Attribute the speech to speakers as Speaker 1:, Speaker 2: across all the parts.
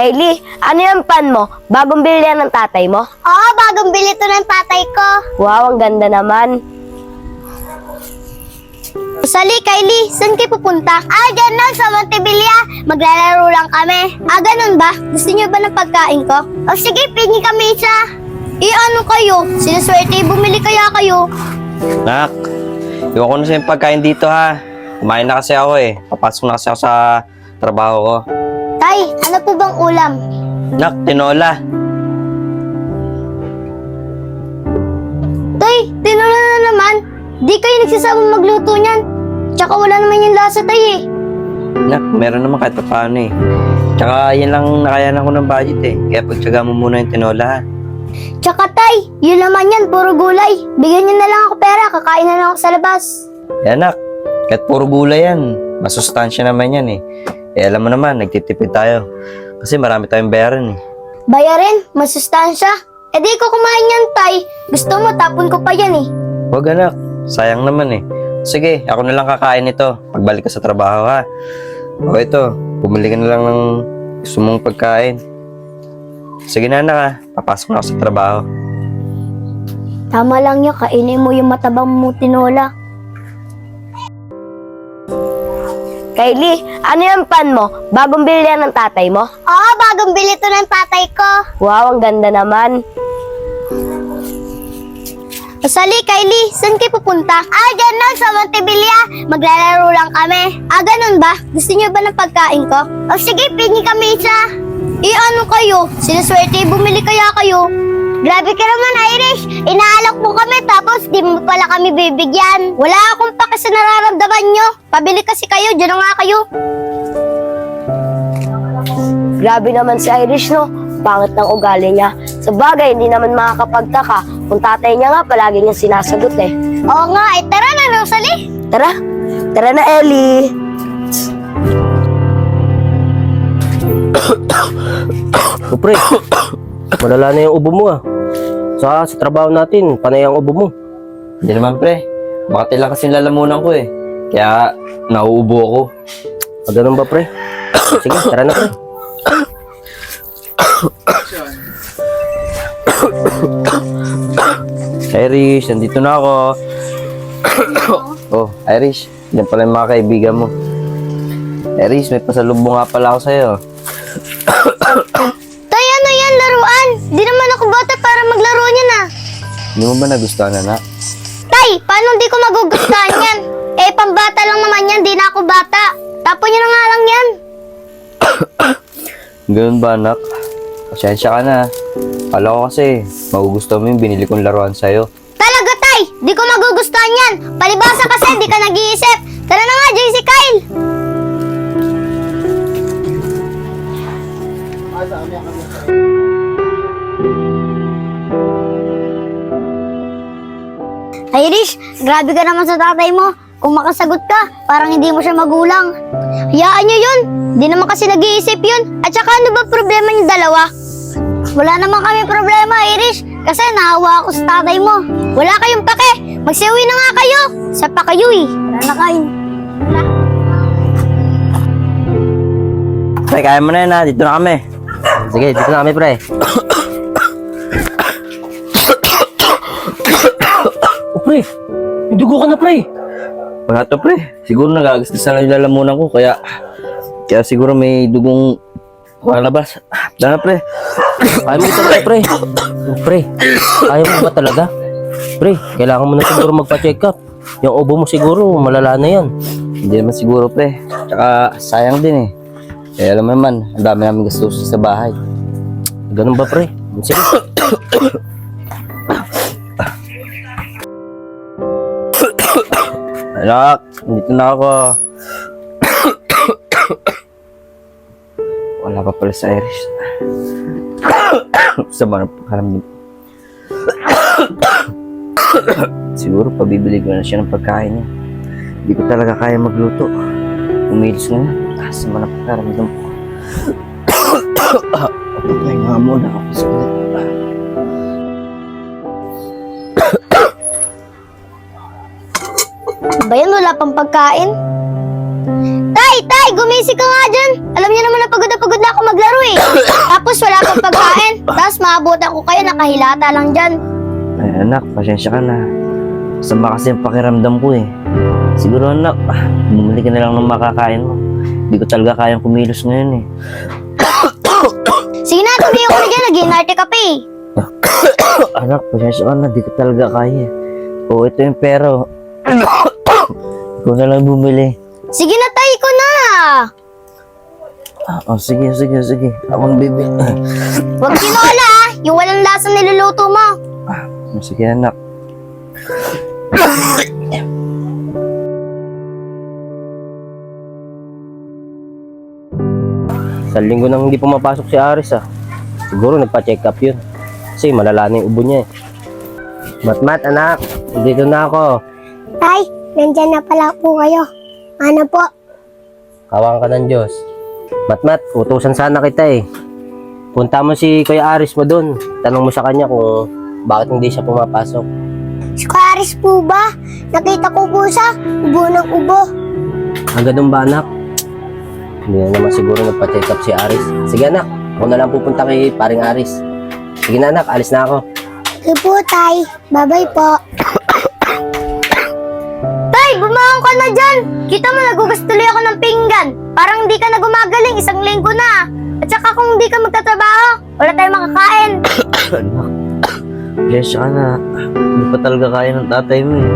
Speaker 1: Kylie, ano yung pan mo? Bagong bili yan ng tatay mo?
Speaker 2: Oo, bagong bili to ng tatay ko.
Speaker 1: Wow, ang ganda naman.
Speaker 2: Sali, Kylie, saan kayo pupunta? Dyan lang sa Montevilla. Maglalaro lang kami. Ganun ba? Gusto niyo ba ng pagkain ko? O sige, pingi kami isa. Ano kayo? Sinaswerte, bumili kaya kayo.
Speaker 3: Nak, iwan ko na sa yung pagkain dito ha. Kumain na kasi ako eh. Papasok na kasi ako sa trabaho ko.
Speaker 2: Tay, ano po bang ulam?
Speaker 3: Nak, tinola.
Speaker 2: Tay, tinola na naman. Di kayo nagsasama magluto niyan. Tsaka wala naman yung lasa, tay eh.
Speaker 3: Nak, meron naman kahit paano eh. Tsaka yan lang nakayanan ko ng budget eh. Kaya pagtsaga mo muna yung tinola ha.
Speaker 2: Tsaka tay, yun naman yan, puro gulay. Bigyan niyo na lang ako pera, kakain na lang ako sa labas.
Speaker 3: Yan nak, kahit puro gulay yan. Masustansya naman yan eh. Alam mo naman, nagtitipid tayo. Kasi marami tayong bayaran eh.
Speaker 2: Bayarin, masustansya. Di ko kumain yan, tay. Gusto mo, tapon ko pa yan eh.
Speaker 3: Huwag anak, sayang naman eh. Sige, ako na lang kakain ito. Pagbalik ka sa trabaho ha. O ito, bumili ka na lang ng gusto mong pagkain. Sige na anak ha, papasok na ako sa trabaho.
Speaker 2: Tama lang yun, kainin mo yung matabang mo tinola.
Speaker 1: Kylie, ano yung pan mo? Bagong bili yan ng tatay mo?
Speaker 2: Oo, bagong bili to ng tatay ko.
Speaker 1: Wow, ang ganda naman.
Speaker 2: Sali, Kylie, saan kayo pupunta? Dyan lang sa Montevilla. Maglalaro lang kami. Ganun ba? Gusto niyo ba ng pagkain ko? O sige, pingi kami isa. Ano kayo? Sinaswerte, bumili kaya kayo. Grabe ka naman, Irish. Inaalok mo kami tapos di mo pala kami bibigyan. Wala akong pake sa nararamdaman nyo. Pabili kasi kayo, dyan na nga kayo.
Speaker 1: Grabe naman si Irish, no? Pangit ng ugali niya. Sa bagay, hindi naman makakapagtaka kung tatay niya nga palagi niya sinasagot eh.
Speaker 2: Oo nga, tara na, Rosalie.
Speaker 1: Tara! Tara na, Ellie!
Speaker 4: O pre, malala na yung ubo mo ah. Sa trabaho natin, panay ang ubo mo.
Speaker 3: Hindi naman pre, bakit lang kasi lalamunan ko eh. Kaya nauubo ako.
Speaker 4: Ganun ba pre? Sige, tara na pre.
Speaker 3: Irish, nandito na ako. Oh, Irish, yan pala yung mga kaibigan mo. Irish, may pasalubong nga pala ako sa'yo.
Speaker 2: Tay, ano yan, laruan? Di naman ako bata para maglaro niyan ah.
Speaker 3: Hindi mo ba nagustuhan na?
Speaker 2: Tay, paano di ko magugustuhan yan? Pambata lang naman yan, di na ako bata. Tapon niyo na nga lang yan.
Speaker 3: Ganun ba anak? Pasensya ka na. Kala ko kasi, magugustuhan mo yung binili kong laruan sa'yo.
Speaker 2: Talaga, Tay, di ko magugustuhan yan. Palibasa kasi di ka nag-iisip. Tara na nga, JC Kyle. Irish, grabe ka naman sa tatay mo. Kung makasagot ka, parang hindi mo siya magulang. Hayaan niyo yun. Di naman kasi nag-iisip yun. At saka ano ba problema niyo dalawa? Wala naman kami problema, Irish. Kasi naawa ako sa tatay mo. Wala kayong pake. Magsiuwi na nga kayo. Sa pa kayo eh. Wala na kayo.
Speaker 3: Pre, kaya mo na yan ha. Dito na kami.
Speaker 4: Sige, dito na kami pre. O pre, may dugo ka na pre.
Speaker 3: Wala to pre. Siguro nagagasgasan lang yung lalamunan ko. Kaya siguro may dugong palabas. Dala pre.
Speaker 4: Ayaw mo talaga pre. O, pre, ayaw mo ba talaga? Pre, kailangan mo na siguro magpa-check up. Yung ubo mo siguro, malala na yan.
Speaker 3: Hindi naman siguro pre. Tsaka sayang din eh. Kaya alam mo naman, ang dami namin gastusin sa bahay.
Speaker 4: Ganun ba pre? Sige.
Speaker 3: Anak, dito na ako. Wala pa pala sa Irish. Sama na pagkaramdam. Siguro pabibili ko na siya ng pagkain niya. Hindi ko talaga kaya magluto. Umilis na yan. Sama na pagkaramdam ko. Patay nga muna ako sa
Speaker 2: Ba yan, wala pang pagkain? Tay, Tay! Gumising ka nga dyan! Alam niyo naman na pagod na ako maglaro eh. Tapos wala pang pagkain. Tapos maabutan ko kayo, nakahilata lang dyan.
Speaker 3: Ay anak, pasensya ka na. Sama kasi ang pakiramdam ko eh. Siguro anak, bumili ka na lang ng makakain mo. Hindi ko talaga kayang kumilos ngayon eh.
Speaker 2: Sige na, tumiyo ko na dyan. Nag-inarte ka pa eh.
Speaker 3: Anak, pasensya ka na, di ko talaga kaya. Oo, ito yung pera. Ikaw na lang bumili.
Speaker 2: Sige na, Tay! Ko na!
Speaker 3: Sige. Ako ang bibili.
Speaker 2: Huwag tinola ah! Yung walang lasang niluluto mo.
Speaker 3: Sige anak.
Speaker 4: Sa linggo nang hindi pumapasok si Aris ah. Siguro nagpa-check up yun. Kasi malala na yung ubo niya eh. Matmat anak, dito na ako.
Speaker 2: Tay, nandyan na pala po kayo. Ano po?
Speaker 4: Kawan ka ng Diyos. Matmat, utusan sana kita eh. Punta mo si Kuya Aris mo dun. Tanong mo sa kanya kung bakit hindi siya pumapasok.
Speaker 2: Si Karis po ba? Nakita ko po siya. Ubo ng ubo.
Speaker 4: Ang ganun ba anak? Hindi na naman siguro nagpa-check up si Aris. Sige anak, ako na lang pupunta kay paring Aris. Sige na anak, alis na ako.
Speaker 2: Sige po, Tay. Bye-bye po. Tay, bumangon ka na dyan. Kita mo, nagugas tuloy ako ng pinggan. Parang hindi ka na gumagaling. Isang linggo na. At saka kung hindi ka magtatrabaho, wala tayong makakain.
Speaker 3: Anak, pasensya ka na. Hindi pa talaga kaya ng tatay mo eh.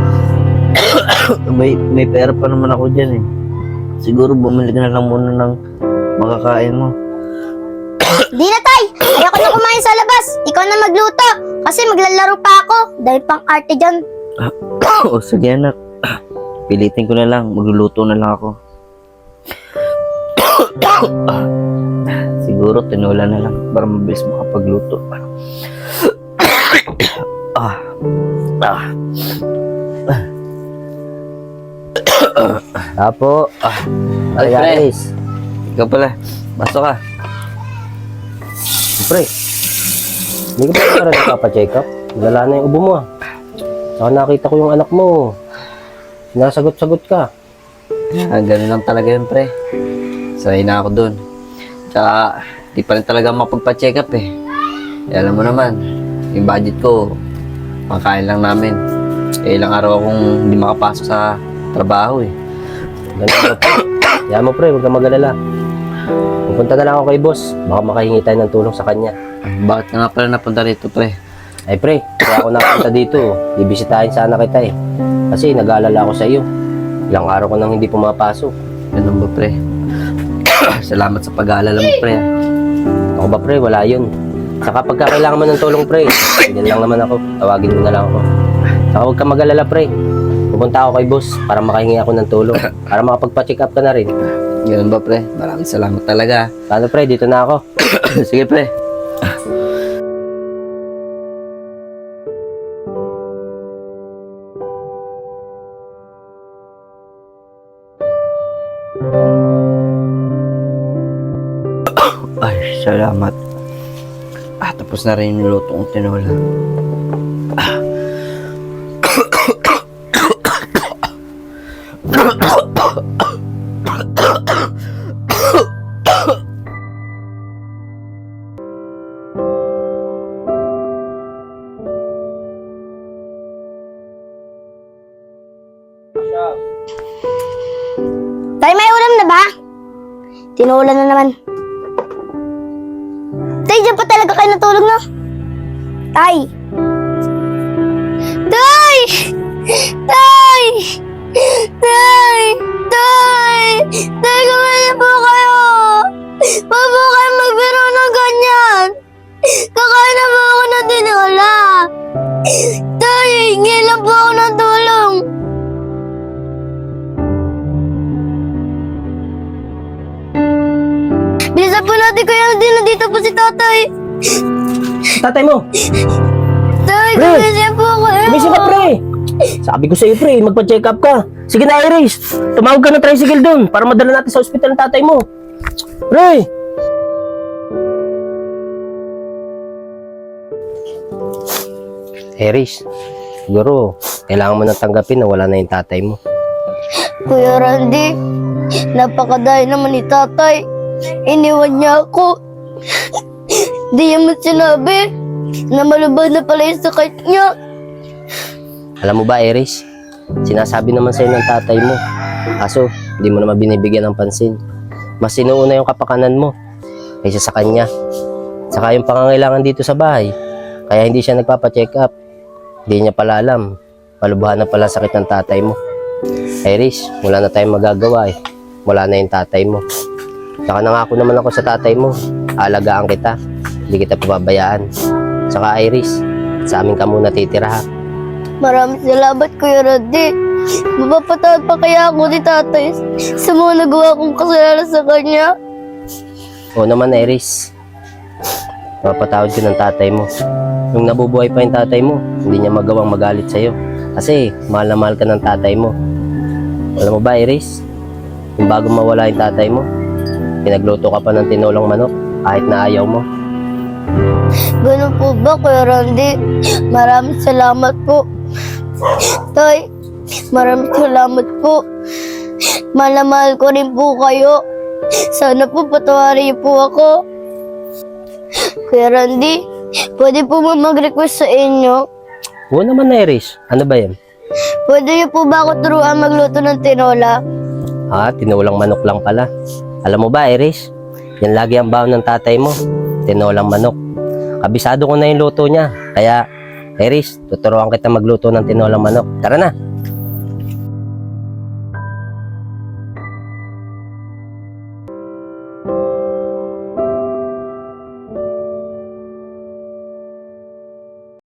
Speaker 3: may pera pa naman ako dyan eh. Siguro bumili ka na lang muna ng makakain mo.
Speaker 2: Di na, Tay. Ayoko na kumain sa labas. Ikaw na magluto. Kasi maglalaro pa ako. Dahil pang arte dyan.
Speaker 3: Sige anak. Pilitin ko na lang. Magluluto na lang ako. Siguro tinola na lang para mabilis makapagluto.
Speaker 4: Apo,
Speaker 3: Ay,
Speaker 4: Kuya
Speaker 3: pre.
Speaker 4: Aris.
Speaker 3: Ikaw pala. Pasok ka.
Speaker 4: Pre, hindi ka pa rin nagpapa-check up. Lala na yung ubo mo ah. Saka nakita ko yung anak mo. Sinasagot-sagot ka.
Speaker 3: Ganun lang talaga yun, pre. Sanay na ako dun. Tsaka, di pa rin talaga mapagpa-check up eh. Alam mo naman, yung budget ko, pangkain lang namin. Ilang araw akong hindi makapasok sa trabaho eh.
Speaker 4: Ganun mo pre. Yan mo pre, huwag kang mag-alala. Pupunta na lang ako kay boss. Baka makahingi tayo ng tulong sa kanya.
Speaker 3: Bakit ka nga pala napunta rito, pre?
Speaker 4: Ay pre, kaya ako napunta dito. Bibisitahin sana kita eh. Kasi nag-aalala ako sa iyo. Ilang araw ko nang hindi pumapasok.
Speaker 3: Ganun ba, pre? Salamat sa pag-aalala mo, pre.
Speaker 4: Ako ba pre, wala yun. Saka pagka kailangan mo ng tulong pre, ganyan lang naman ako. Tawagin mo na lang ako. Saka huwag kang mag-alala pre. Pupunta ako kay boss para makahingi ako ng tulong. Para makapagpa-check up ka na rin.
Speaker 3: Ganun ba, pre? Maraming salamat talaga.
Speaker 4: Paano pre, dito na ako.
Speaker 3: Sige, pre. Ay, salamat. Tapos na rin yung luto kong tinola.
Speaker 2: Tay, may ulam na ba? Tinola na naman. Tay, dyan pa talaga kayo natulog, no? Tay! Tay! Tay! Tay! Tay! Tay, kumali po kayo! Huwag po kayo magbiro ng ganyan! Kakain na po ako ng tinola! Tay, hingi lang po ako ng tulong! Bilisan po natin kaya hindi na dito po si tatay.
Speaker 4: Tatay mo!
Speaker 2: Tay,
Speaker 4: Pre!
Speaker 2: gumising po kayo.
Speaker 4: Gumising ka pre! Sabi ko sa iyo pre, magpa-check up ka. Sige na Iris, tumawag ka ng tricycle doon para madala natin sa ospital ng tatay mo. Pre! Iris, siguro kailangan mo nang tanggapin na wala na yung tatay mo.
Speaker 2: Kuya Randy, napakadaya naman ni tatay. Iniwan niya ako. Di niya man sinabi na malubad na pala yung sakit niya.
Speaker 4: Alam mo ba, Iris? Sinasabi naman sa'yo ng tatay mo. Kaso, hindi mo naman binibigyan ng pansin. Mas sinuuna yung kapakanan mo kaysa sa kanya. Saka yung pangangailangan dito sa bahay. Kaya hindi siya nagpapacheck up. Hindi niya pala alam. Malubhan na pala sakit ng tatay mo. Iris, wala na tayong magagawa eh. Wala na yung tatay mo. Saka nangako naman ako sa tatay mo. Alagaan kita. Hindi kita pababayaan. Saka Iris, sa amin ka muna titira ha.
Speaker 2: Maraming salamat, Kuya Randy. Mapapatawad pa kaya ako ni tatay sa mga nagawa kong kasalanan sa kanya.
Speaker 4: Oo naman, Iris. Mapatawad ko ng tatay mo. Nung nabubuhay pa yung tatay mo, hindi niya magawang magalit sa'yo. Kasi mahal na mahal ka ng tatay mo. Alam mo ba, Iris? Yung bago mawala yung tatay mo, pinagluto ka pa ng tinolang manok kahit na ayaw mo.
Speaker 2: Ganun po ba, Kuya Randy? Maraming salamat po. Tay, maraming salamat po. Mahal na mahal ko rin po kayo. Sana po patawarin niyo po ako. Kuya Randy, pwede po ba mag-request sa inyo?
Speaker 4: Oo naman, Iris. Ano ba yan?
Speaker 2: Pwede niyo po ba ako turuan magluto ng tinola?
Speaker 4: Tinolang manok lang pala. Alam mo ba, Iris? Yan lagi ang baon ng tatay mo. Tinolang manok. Kabisado ko na yung luto niya. Kaya, Iris, tuturuan kita magluto ng tinolang manok. Tara na.